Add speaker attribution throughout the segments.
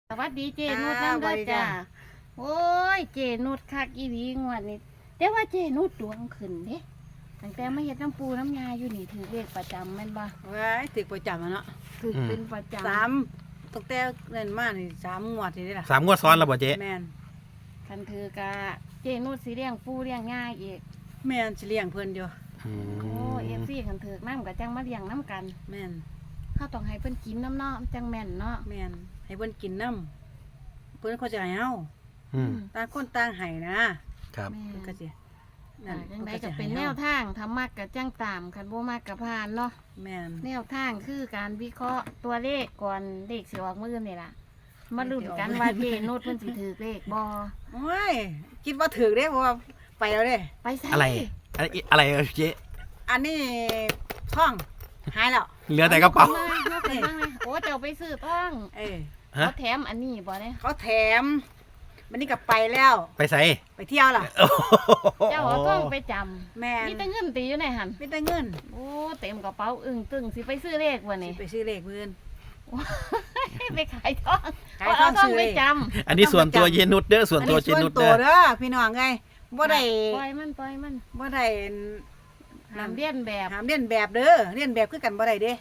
Speaker 1: สวัสดีเจนุชนั่นด้วยจ้าโอ้ยเจนุชคักอีหลีงวดนี้แต่ว่าเจนุชดวงขึ้นเด้ตั้งแต่มาเฮ็ดน้ำปูน้ำยาอยู่นี่ถือเลขประจำแม่นบ่
Speaker 2: ว้ายติดประจำอะเนาะ
Speaker 1: ถือเป็นประจำ
Speaker 2: สามตั้งแต่เล่นมานี่3 งวดนี่ล่ะ
Speaker 3: 3 งวดซ้อนแล้วบ่เจ๊
Speaker 2: แม่น
Speaker 1: คันถือกะเจนุชสิเลี้ยงปูเลี้ยงง่ายอีก
Speaker 2: แม่นสิเลี้ยงเพิ่นอยู่
Speaker 1: โอ้FCคันถือกน้ำก็จังมาเลี้ยงน้ำกัน
Speaker 2: แม่น
Speaker 1: เฮาต้องให้เพิ่นกินน้ำเนาะจังแม่นเนาะ
Speaker 2: แม่นให้เพิ่นกินน้ำเพิ่นเขาจะให้เฮาต่างคนต่างให้นะครับเพิ่นก็สิ
Speaker 1: นั่นจังไดก็เป็นแนวทางถ้ามักก็จังตามคันบ่มักก็ผ่านเนาะ
Speaker 2: แม่น
Speaker 1: แนวทางคือการวิเคราะห์ตัวเลขก่อนเลขสิออกมื้อนี่ล่ะมาลุ้นกันว่าเจนุชเพิ่นสิถือเลขบ่
Speaker 2: โอ้ยคิดว่าถูกเด้เพราะว่าไปแล้วเด้
Speaker 1: ไปไส
Speaker 3: อะไรเจ๊
Speaker 2: อันนี้ท่องหายแล้ว
Speaker 3: เหลือแต่กระเป๋า
Speaker 1: โอ้เจ้าไปซื้อต้องเขาแถมอันนี้บ่เนี่ย
Speaker 2: เขาแถมมันนี่ก็ไปแล้ว
Speaker 3: ไปไส
Speaker 2: ไปเที่ยวล่ะ
Speaker 1: เจ้าเอาต้องไปจำ
Speaker 2: แม่
Speaker 1: มีแต่เงินตีอยู่ในหัน
Speaker 2: มีแต่เงิน
Speaker 1: โอ้เต็มกระเป๋าอึ้งตึงสิไปซื้อเลขบ่นี่
Speaker 2: ไปซื้อเลขเพิ่น
Speaker 1: ไปขายทองซื้อไปจ
Speaker 3: ำอันนี้ส่วนตัวเจนุชเด้อส่วนตัวเจนุช
Speaker 2: เด้อพี่น้องไงบ่ได้
Speaker 1: ปล่อยมัน
Speaker 2: บ่ได้
Speaker 1: ห้ามเลียนแบบ
Speaker 2: เด้อเลียนแบบคือกันบ่ได้เด้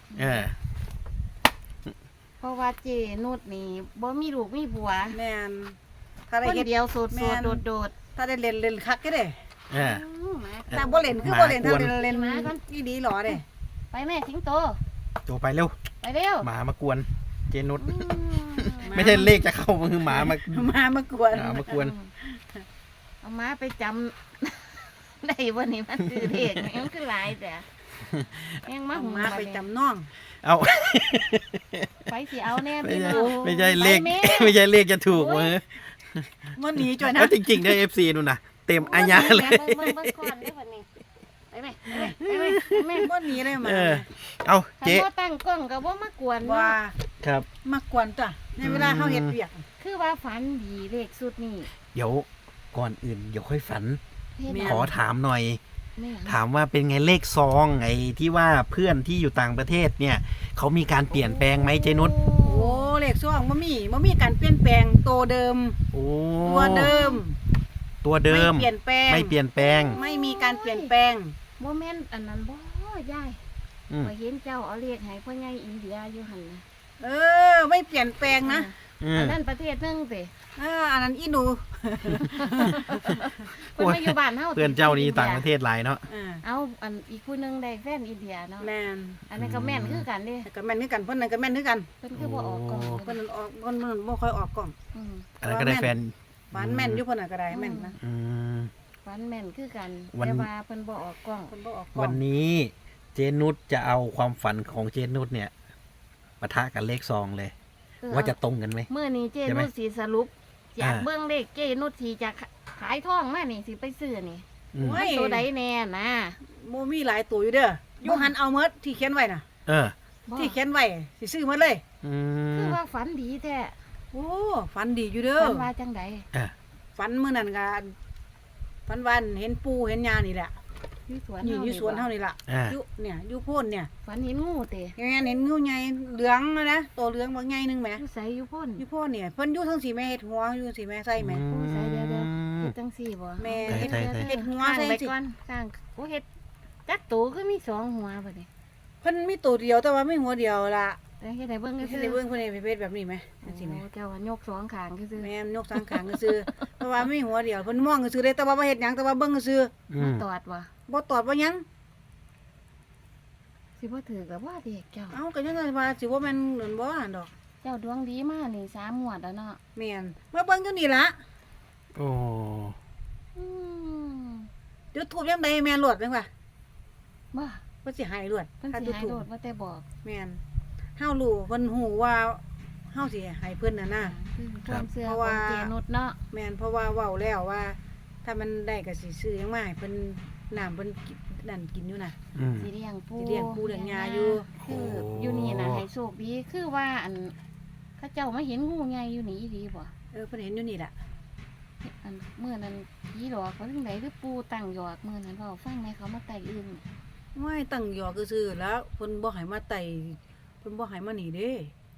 Speaker 1: เพราะว่าเจนุชนี่บ่มีลูกมีผัว
Speaker 2: แม่นถ้าได้
Speaker 1: เฮ็ดเดียวโสดโดด
Speaker 2: ถ้าได้เล่นคักก็ได้แต่บ่เล่นคือบ่เล่นถ้าเล่นอีดีหรอเด้
Speaker 1: ไปแม่สิงโต
Speaker 3: ไปเร็ว
Speaker 1: ไปเร็ว
Speaker 3: หมามากวนเจนุชไม่ใช่เลขจะเข้ามือหมาม
Speaker 2: ากวน
Speaker 1: เอาม้าไปจำได้วันนี้มันคือเลขมันคือหลายแต่ยังม้า
Speaker 2: ไปจำน้อง
Speaker 3: เอา
Speaker 1: ไปสิเอาแน่พี่
Speaker 3: น้องไม่ใช่เลขจะถูกมือ
Speaker 2: มันหนีจ่อยนะ
Speaker 3: จริงๆได้ FC นู่นน่ะเต็มอาญาเลย
Speaker 1: ไปแม่
Speaker 2: มันหนีเลยมา
Speaker 3: เอาเจ๊
Speaker 1: ตั้งกล้องก็บ่มากวน
Speaker 2: ว่า
Speaker 3: ครับ
Speaker 2: มากวนจ้ะในเวลาเฮาเฮ็ดเวียก
Speaker 1: คือว่าฝันดีเลขสุดนี่
Speaker 3: เดี๋ยวก่อนอื่นเดี๋ยวค่อยฝันขอถามหน่อยถามว่าเป็นไงเลขซองไอ้ที่ว่าเพื่อนที่อยู่ต่างประเทศเนี่ยเขามีการเปลี่ยนแปลงไหมเจนุช
Speaker 2: โอ้เลขซองบ่มีการเปลี่ยนแปลงตัวเดิมตัวเดิมไม่เปลี่ยนแปลงไม่มีการเปลี่ยนแปลง
Speaker 1: โมเมนต์อันนั้นบ่ยายพอเห็นเจ้าเอาเลขให้พ่อใหญ่อินเดียอยู่หั่นนะ
Speaker 2: ไม่เปลี่ยนแปลงนะ
Speaker 1: อันนั้นประเทศนึงสิ
Speaker 2: อันนั้นอีหนู
Speaker 1: เพิ่นมาอยู่บ้านเฮา
Speaker 3: เพื่อนเจ้านี่ต่างประเทศหลายเนาะ
Speaker 1: เอาอันอีกผู้นึงได้แฟนอินเดียเนาะ
Speaker 2: แม่น
Speaker 1: อันนั้นก็แม่นคือกันเด้
Speaker 2: ก็แม่นคือกันเพิ่นนั่นก็แม่นคือกัน
Speaker 1: เพิ่นคือบ่ออกกล้อง
Speaker 2: เพิ่นออกเพิ่นบ่ค่อยออกกล้อง
Speaker 3: อันนั้นก็ได้แฟน
Speaker 2: หวานแม่นอยู่เพิ่นน่ะก็ได้แม่นนะ
Speaker 1: หวานแม่นคือกันแต่ว่าเพิ่นบ่ออกกล้อง
Speaker 3: วันนี้เจนุชจะเอาความฝันของเจนุชเนี่ยปะทะกับเลขซองเลยว่าจะตรงกันไหม
Speaker 1: เมื่อนี้เจนุชสิสรุปอยากเบิ่งเลขเจนุชสิจะขายทองมานี่สิไปซื้อนี่มันตัวใดแน่นะ
Speaker 2: บ่มีหลายตัวอยู่เด้ออยู่หันเอาหมดที่เขียนไว้น่ะที่เขียนไว้สิซื้อหมดเลย
Speaker 1: คือว่าฝันดีแท้
Speaker 2: โอ้ฝันดีอยู่เด้อ
Speaker 1: ฝันว่าจังได
Speaker 2: ฝันมื้อนั้นก็ฝันว่าเห็นปูเห็นยานี่แหละอยู่สวนเฮานี่ล่ะอยู่โพนเนี่ย
Speaker 1: ฝันเห็นงูเตะ
Speaker 2: แม่เห็นงูใหญ่เหลืองนะตัวเหลืองบ่ใหญ่นึงแหม
Speaker 1: อยู่ไสอยู่โพน
Speaker 2: เนี่ยเพิ่นอยู่ทั้ง4แม่เฮ็ดหัวอยู่4แม่ใส่แม่
Speaker 1: โอ้ใส่เดี๋ยวเฮ็ดจังซี่บ่
Speaker 2: แม่เฮ็ดหัวใส่
Speaker 1: สิก่อนสร้างโอ้เฮ็ดจักตัวคือมี2หัวบัดนี้
Speaker 2: เพิ่นมีตัวเดียวแต่ว่าไม่หัวเดียวล่ะ
Speaker 1: เฮ็ดให้เบิ่งซื่อ
Speaker 2: เบิ่งเพิ่นเฮ็ดเพชรแบบนี้มั้ยจังซี่แม่
Speaker 1: เจ้าว่ายก2ข้างซื่อ
Speaker 2: แม่ยก2ข้างซื่อเพราะว่ามีหัวเดียวเพิ่นมองซื่อได้แต่ว่าบ่เฮ็ดหยังแต่ว่าเบิ่งซื่อ
Speaker 1: ตอด
Speaker 2: บ่ตอดบ่หยัง
Speaker 1: สิบ่ถือกับว่าเด็กเจ้า
Speaker 2: ก็ยังว่าสิบ่แม่นเหมือนบ่ดอก
Speaker 1: เจ้าดวงดีมากนี่3งวดแล้วเนาะ
Speaker 2: แม่นมาเบิ่งอยู่นี่ล่ะ
Speaker 3: โอ้
Speaker 2: เดี๋ยวทูบยังไดแม่นรวดจังว่า
Speaker 1: บ่
Speaker 2: เพิ่นสิให้รวด
Speaker 1: ถ้าสิให้รวดว่าแต่บอก
Speaker 2: แม่นเฮารู้เพิ่นฮู้ว่าเฮาสิให้เพิ่นน่ะนะ
Speaker 1: ความเชื่อของเจนุชเนาะ
Speaker 2: แม่นเพราะว่าเว้าแล้วว่าถ้ามันได้ก็สิซื้อหยังมาให้เพิ่นน้ำเพิ่นนั่นกินอยู่น่ะ
Speaker 1: สิเลี้ยงปู
Speaker 2: เลี้ยงยาอยู่
Speaker 1: คืออยู่นี่น่ะให้โชคดีคือว่าอันเขาเจ้ามาเห็นงูใหญ่อยู่นี่ดีบ่
Speaker 2: เพิ่นเห็นอยู่นี่ล่ะ
Speaker 1: อันเมื่อนั้นผีหลอกเขาจังได๋คือปูตั้งหยอกมื้อนั้นเว้าฟังแม่เขามาไต่อึ่ง
Speaker 2: ไม่ตั้งหยอกซื่อๆแล้วเพิ่นบ่ให้มาไต่เพิ่นบ่ให้มานี่เด้
Speaker 1: แท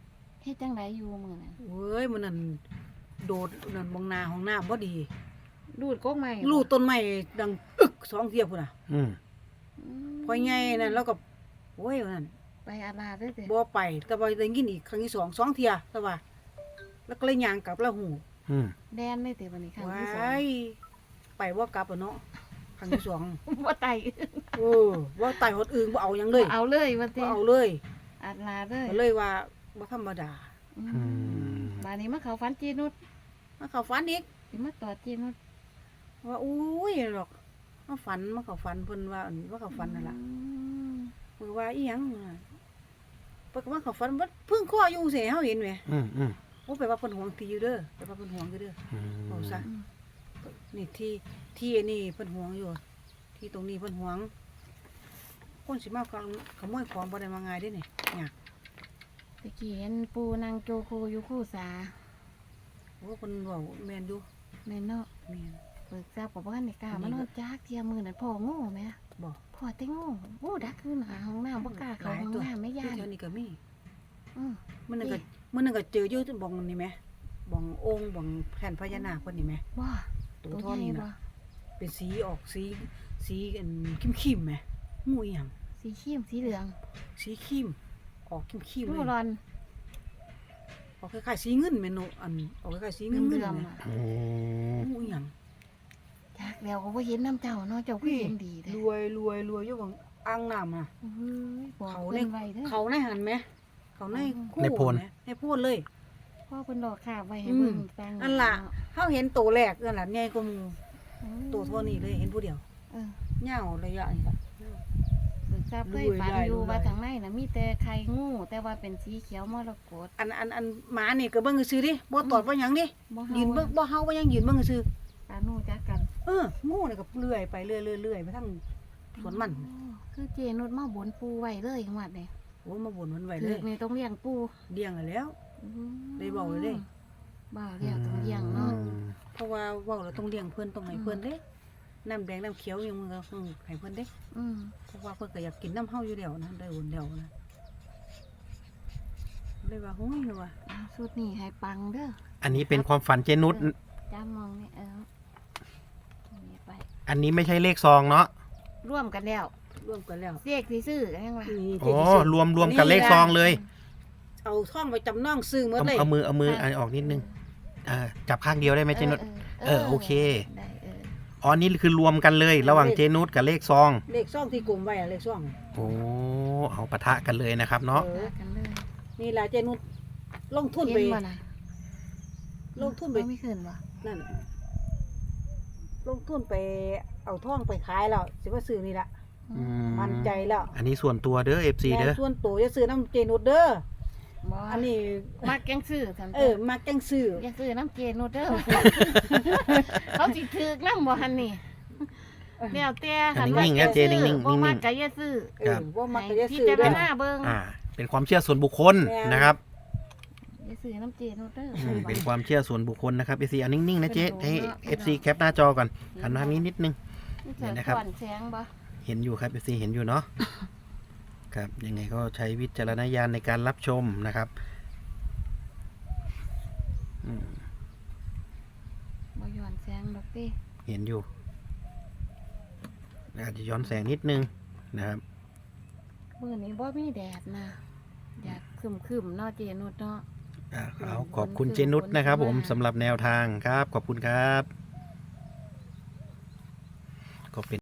Speaker 1: ฮ็ดจังไดอยู่มื้อนั้น
Speaker 2: เว้ยมันนั่นโดดนั่นมองหน้าห้องน้ำบ่ดี
Speaker 1: ดูดกกไม้บ่
Speaker 2: ลูกต้นไม้ดังอึกสองเทียพุ่นน่ะ
Speaker 3: อืม
Speaker 2: พอใหญ่นั่นแล้วก็โอ้ยนั่น
Speaker 1: ไปอาลาเด้อเด้
Speaker 2: บ่ไปแต่ว่าได้ยินอีกครั้งที่สองเทียแต่ว่า แล้วก็เลยย่างกลับแล้วหู
Speaker 3: อืม
Speaker 1: แดนเลยเด้บัดนี้ครั้ง
Speaker 2: ว้
Speaker 1: ที่สอง
Speaker 2: ายไปบ่กลับอ่ะเนาะครั้งที่สอง
Speaker 1: บ่ไต
Speaker 2: ว่าไต่หดอื่นบ่เอาหยังเลย
Speaker 1: เอาเลยว่า
Speaker 2: บ่
Speaker 1: ติ
Speaker 2: เอาเลย
Speaker 1: อาลาเลย
Speaker 2: ก็เลยว่าบ่ธรรมดา
Speaker 1: บัดนี้มาเข้าฝันเจนุช
Speaker 2: มาเข้าฝันอีก
Speaker 1: สิมาตอดเจนุช
Speaker 2: ว่าอุ้ยหรอกมาฝันมาเข้าฝันเพิ่นว่าว่าเข้าฝันนั่นล่ะเพิ่นว่าอีหยังเพิ่นก็มาเข้าฝันว่าเพิ่งข้ออยู่เสิเฮาเห็นแหม
Speaker 3: อืมอืม
Speaker 2: โอ้แปลว่าเพิ่นห่วงที่อยู่เด้อแปลว่าเพิ่นห่วงอยู่เด้อ
Speaker 3: อืม
Speaker 2: เอาซะ นี่ที่อันนี้เพิ่นห่วงอยู่ ที่ตรงนี้เพิ่นห่วง คนสิมาขโมยของบ่ได้มาง่ายเด้นี่ยาก
Speaker 1: ตะกี้เห็นปูนางโจโคอยู่คู่สา
Speaker 2: โอ้เพิ่นเว้าแม่นอยู่
Speaker 1: แม่นเนาะ
Speaker 2: แม่น
Speaker 1: เบิกทราบกับว่าในกล้ามานอนจักเทียมือนั่นพ่อโง่แม่
Speaker 2: บ่
Speaker 1: พ่อแต่โง่โง่ดักขึ้นหาห้องน้ำบ่กล้าเข้าห้องน้ำไม่ย่าน
Speaker 2: เดี๋ยวนี้ก็มี
Speaker 1: อือ
Speaker 2: มื้อนึงก็เจออยู่บ่องนี่แหมบ่ององค์บ่องแผ่นพญานาคเพิ่นนี่แหม
Speaker 1: บ่
Speaker 2: ตัว
Speaker 1: ตัว
Speaker 2: ท่อ
Speaker 1: ใหญ่
Speaker 2: นี้
Speaker 1: บ่
Speaker 2: น่ะเป็นสีออกสีอันคิมๆแหมงูอีหยัง
Speaker 1: สีเข้มสีเหลือง
Speaker 2: สีครีมออกคิมๆ
Speaker 1: งู
Speaker 2: เลย
Speaker 1: ร้อน
Speaker 2: ออกคล้ายๆสีเงินแม่นอันออกคล้ายๆสีเงิน
Speaker 1: เหลื
Speaker 2: ๆ
Speaker 1: อง
Speaker 2: แหม
Speaker 1: ๆอ่ะ
Speaker 3: โอ้
Speaker 2: งูอีหยัง
Speaker 1: จักแล้วก็บ่เห็นน้ำเจ้าเนาะเจ้าคือเห็นดีแท้
Speaker 2: รวยอยู่บางอ่างน้ำน่ะ
Speaker 1: เฮ้ยบอก
Speaker 2: เขา
Speaker 1: เพิ่
Speaker 2: เนี่ย
Speaker 1: นไว้เด้อ
Speaker 2: เขาในหันไหมเขาในคู่
Speaker 3: ในโพน
Speaker 2: ไหมในโพนเลย
Speaker 1: พ่อเพิ่นดอกขาบไว้ให้เบิ่งฟัง
Speaker 2: อันล่ะเขาเห็นตัวแรกนั่นล่ะใหญ่กว่าหมู
Speaker 1: อืม
Speaker 2: ตัวเท่านี้เลยเห็นผู้เดียว
Speaker 1: เออ
Speaker 2: เงาระยะนี่ค่ะ
Speaker 1: เบิกทราบเคยฝันอยู่ว่าทางในน่ะมีแต่ไข่งูแต่ว่าเป็นสีเขียวมรกต
Speaker 2: อันหมานี่ก็เบิ่งซื่อดิบ่ตอดว่าหยังดิ
Speaker 1: บ่
Speaker 2: ยืนเบิ่งบ่เฮาว่าหยังยืนเบิ่งซื่อ
Speaker 1: ปานูจักกัน
Speaker 2: งูนี่ก็เลื่อยไปเรื่อยๆไปทางสวนมัน
Speaker 1: อ๋อคือเจนุชมาบนปูไว้เลยจังหวัดนี่
Speaker 2: โอ้มาบ่นมันไว้
Speaker 1: ถื
Speaker 2: เล
Speaker 1: อย นี่ต้องเลี้ยงปู
Speaker 2: เลี้ยงแล้ว ได้เว้าเลยเด้
Speaker 1: บ่าวเลี้ยงต้องเลี้ยงเนาะ
Speaker 2: เพราะว่าเว้าแล้วต้องเลี้ยงเพิ่นต้องให้เพิ่นเด้น้ำแดงน้ำเขียวยังมึงก็ให้เพิ่นเด้
Speaker 1: อืม
Speaker 2: เพราะว่าเพิ่นก็อยากกินน้ำเฮาอยู่แล้วนะได้อุ่นแล้วนะเลยว่าโอ้ยเลยว่า
Speaker 1: เอาสุดนี่ให้ปังเด้อ
Speaker 3: อันนี้เป็นความฝันเจนุช
Speaker 1: จ้ามองนี่นี่ไป
Speaker 3: อันนี้ไม่ใช่เลขซองเนาะ
Speaker 1: ร่วมกันแล้ว
Speaker 2: ร่วมกันแล้ว
Speaker 1: เรียกสิซื้อกันยังว่า
Speaker 2: นี่
Speaker 3: อ๋อรวมกันเลขซองเลย
Speaker 2: เอาท่องไปจำนองซื้อหมด
Speaker 3: เอา
Speaker 2: เลย
Speaker 3: เอามืออันออกนิดนึงจับข้างเดียวได้ไหมเจนุช โอเค
Speaker 1: ได้
Speaker 3: อ๋อนี่คือรวมกันเลย ระหว่างเจนุชกับเลขซอง
Speaker 2: เลขซ่องที่กลุ่มไว้อะเลขซ่อง
Speaker 3: โอ้เอาปะทะกันเลยนะครับเนาะ
Speaker 2: เออ
Speaker 1: กันเลย
Speaker 2: นี่ล่ะเจนุชลงทุนไป
Speaker 1: เห็นบ่น่ะ
Speaker 2: ลงทุนไป
Speaker 1: ไม่ขึ้นบ่
Speaker 2: นั่นลงทุนไปเอาท่องไปขายแล้วสิว่าซื้อนี่ล่ะ
Speaker 3: อืม
Speaker 2: มั่นใจแล้ว
Speaker 3: อันนี้ส่วนตัวเด้อ FC เด้อ
Speaker 2: ส่วนตัวจะซื้อน้ำเจนุชเด้อ
Speaker 1: บ่
Speaker 2: อันนี้
Speaker 1: มักยังซื้อซั่น
Speaker 2: มาแกงซื้อ
Speaker 1: อย่าซื้อน้ำเจนุชเด้อ เขาสิถือกนำบ่หั่นนี่แล้วแต่
Speaker 3: อันนี้นิ่งๆนะเจนิ่งๆ
Speaker 1: บ่มัก
Speaker 3: นิ่งๆ
Speaker 1: ก็อย่าซื้อ
Speaker 2: ว่ามักก็จะ
Speaker 1: ให้
Speaker 2: ซื้อ
Speaker 1: พิจาร
Speaker 2: เด้อ
Speaker 1: ณาเบิ่ง
Speaker 3: เป็นความเชื่อส่วนบุคคล
Speaker 2: แม่น
Speaker 3: นะครับ
Speaker 1: อย่าซื้อน้ำเจนุชเด้อ
Speaker 3: เป็นความเชื่อส่วนบุคคลนะครับ FC อันนิ่งๆนะเจ๊ให้ FC แคปหน้าจอก่อนหันมาทางนี้นิดนึง เห็นนะครับ
Speaker 1: ก่อนแสงบ่
Speaker 3: เห็นอยู่ครับ FC เห็นอยู่เนาะ ครับยังไงก็ใช้วิจารณญาณในการรับชมนะครับอืม
Speaker 1: บ่ย้อนแสงดอกติ
Speaker 3: เห็นอยู่อาจจะย้อนแสงนิดนึงนะครับ
Speaker 1: มื้อนี้บ่มีแดดนะอยากครึมๆเนาะเจนุชเนาะ
Speaker 3: เอาขอบคุณเจนุชนะครับผมสำหรับแนวทางครับ ขอบคุณครับก็เป็น